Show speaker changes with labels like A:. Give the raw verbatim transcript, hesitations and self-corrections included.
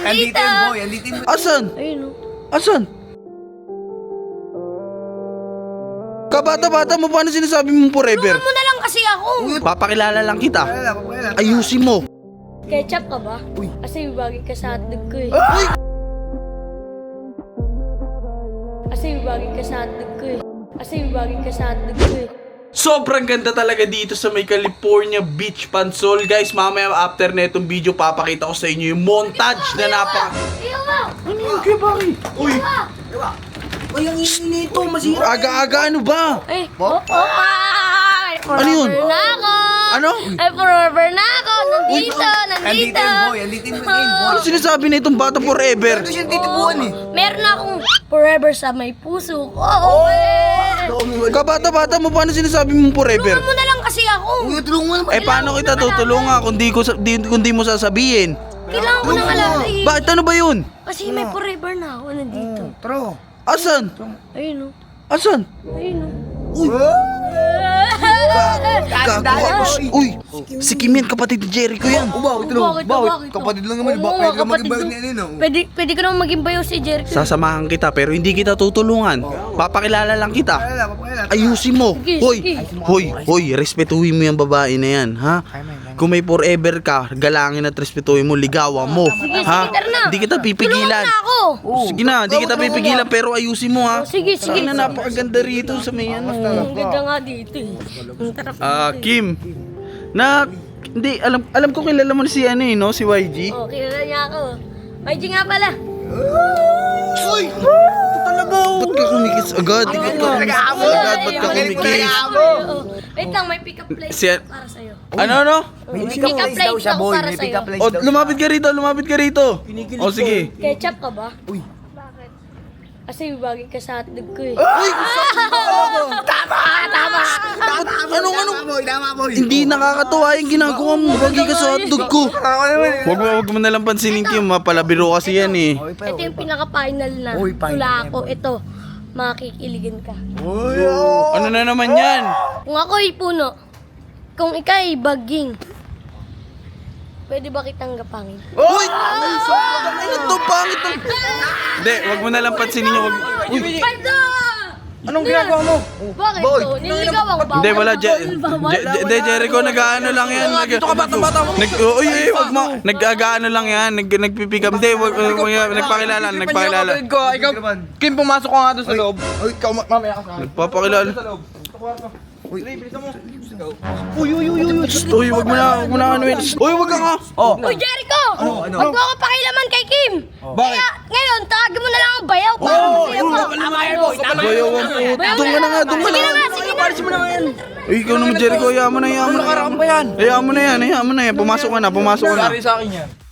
A: Andito yung boy, andito yung boy.
B: Asan?
C: Ayun o.
B: Asan? Kabata-bata mo, paano sinasabi mo forever?
C: Tulungan mo na lang kasi ako.
B: Papakilala lang kita.
A: Pakilala, pakilala.
B: Ayusin mo.
C: Ketchup ka ba?
A: Uy.
C: Kasi bagay ka sa hotdog ko eh.
B: Uy!
C: Kasi bagay ka sa hotdog ko eh. Kasi bagay ka sa hotdog ko eh.
B: Sobrang ganda talaga dito sa may California Beach, Pansol. Guys, mamaya after na itong video, papakita ko sa inyo yung montage na napaka...
C: Iyo mo!
B: Ano yun, kaya bakit? Uy!
A: Diba? Uy, ang ingin nito, masira.
B: Aga-aga, ano ba?
C: Eh, oh, oh, ay!
B: Ano yun?
C: Forever na ako!
B: Ano?
C: Ay, forever na ako! Nandito, nandito!
A: Andito yung boy, andito yung boy.
B: Ano sinasabi na itong bata forever?
A: Ito siya titipuan eh.
C: Meron akong forever sa may puso ko. Oh, eh!
B: Kabata-bata mo, paano sinasabi mo forever?
C: Tulungan mo na lang kasi ako.
A: Uy, tulungan mo naman.
B: Eh, paano kita tutulungan kung di, ko, sa- di, kung di mo sasabihin?
C: Kailangan ko nang alamin.
B: Bakit ano ba yun?
C: Kasi may forever na ako nandito.
A: Tara.
B: Asan?
C: Ayun o.
B: Asan?
C: Ayun o.
B: Uy! Gago. Uy! Si Kim yan, kapatid ni Jericho yan.
A: Oh, bakit lang?
C: Bakit?
A: Bakit?
C: Bakit?
A: Kapatid lang naman.
C: Oo,
A: Bakit ka
C: kapatid
A: mag-ibayad
C: lang.
A: ni ano? no?
C: Pwede, pwede ko naman maging bayo si Jericho.
B: Sasamahan kita pero hindi kita tutulungan. Papakilala lang kita.
A: Pakilala, pakilala.
B: Ayusin mo.
C: Sige,
B: Hoy,
C: sige.
B: hoy, hoy, respetuhin mo yung babae na yan, ha? Kung may forever ka, galangin at respetuhin mo, ligawan mo.
C: Sige,
B: ha?
C: sige, tara na.
B: Hindi kita pipigilan.
C: Tulungan na ako.
B: Sige na, hindi kita pipigilan pero ayusin mo, ha?
C: Sige, sige.
B: Ano, napakaganda rito sa may ano.
C: Ang ganda nga dito eh. Ang tarap
B: Ah,
C: dito eh.
B: Kim. Na, hindi, alam alam ko kilala mo na si ano eh, no? Si Y G.
C: Oh, kilala niya ako. May G nga pala.
B: Uy! Ito talaga, oh. Ba't ka kumikis agad? Ba't ka kumikis agad? Ba't ka kumikis?
C: Oo. Wait lang, may pick-up place
B: Si-
C: para sa'yo.
B: Ano, ano?
A: May
C: May
A: pick-up
C: pick-up
A: place daw
C: place
A: siya,
C: ako
A: boy.
C: para
A: May pick-up
C: sa'yo.
A: place
B: O,
A: daw siya.
B: lumapit ka rito, lumapit ka rito. O, sige.
C: Ketchup ka ba?
A: Uy.
C: Bakit? Kasi bagay ka sa hotdog ko eh.
B: Uy!
A: Tama! Tama! Tama!
B: Anong,
A: Tama,
B: anong-
A: boy! Tama, boy!
B: Hindi nakakatuwa yung ginagawa mo. Bagi ka sa hotdog ko.
A: Tama naman eh.
B: Huwag mo, huwag mo nalang pansinin, Kim. Mapalabiro kasi yan eh.
A: Uy, pa,
C: Ito yung pinaka-final na.
A: Uy, final
C: Tula
A: na
C: ako. Ito. Makikiligan ka.
A: Uy, oh.
B: Ano na naman yan?
C: Kung ako'y puno, kung ika'y baging, pwede ba kitang gapangin?
B: Uy! Ano to? Pangit to. Hindi, huwag mo nalang pansinin yung... Wag... Uy!
C: Pardon!
A: Anong ginagawa mo?
C: Bakit
A: Boy,
C: to? Niligaw ako.
B: Hindi, wala. Je,
C: Bawal,
B: Je- Je- De, Jericho, nag-ano lang yan. Nag, dito ka batang-bata mo. Nag, uy, uy, wag mo. Nag-ano lang yan. Nag, nagpipick up. Hindi, wag, wag, wag, nagpakilala, nagpakilala.
D: Ko, ikaw, Kim, pumasok ka nga doon sa loob.
A: Uy, ikaw ma-
D: Mamaya ka sa akin.
B: Nagpapakilala.
D: Sa loob. Sa kwarto.
A: Uy.
D: Dali, bilisan mo.
A: Uy, uy, uy, uy.
B: Shh, uy, wag mo na, wag mo na ano yun. Shh, uy, wag ka nga.
D: Oh.
C: Uy, Jericho!
A: Ano, ano?
C: Huwag mo ako pakilaman kay Kim!
D: Bakit?
C: Kaya, ngayon, tawagin mo na lang ang bayaw para
A: Oh,
C: masaya
A: yun,
C: mo.
A: tama yan, boy. Tama yan.
B: Bayaw ang puto. Doon ka na nga, doon ka
C: Sige
B: na
C: na
B: nga.
C: nga, sige na.
A: Paris mo naman yan.
B: Uy, ikaw naman, Jericho, hayaan mo na, hayaan mo na.
A: Nakaraan pa yan.
B: Hayaan mo na yan, hayaan mo na yan. Pumasok ka na, pumasok ka na.
D: Sorry sa akin yan.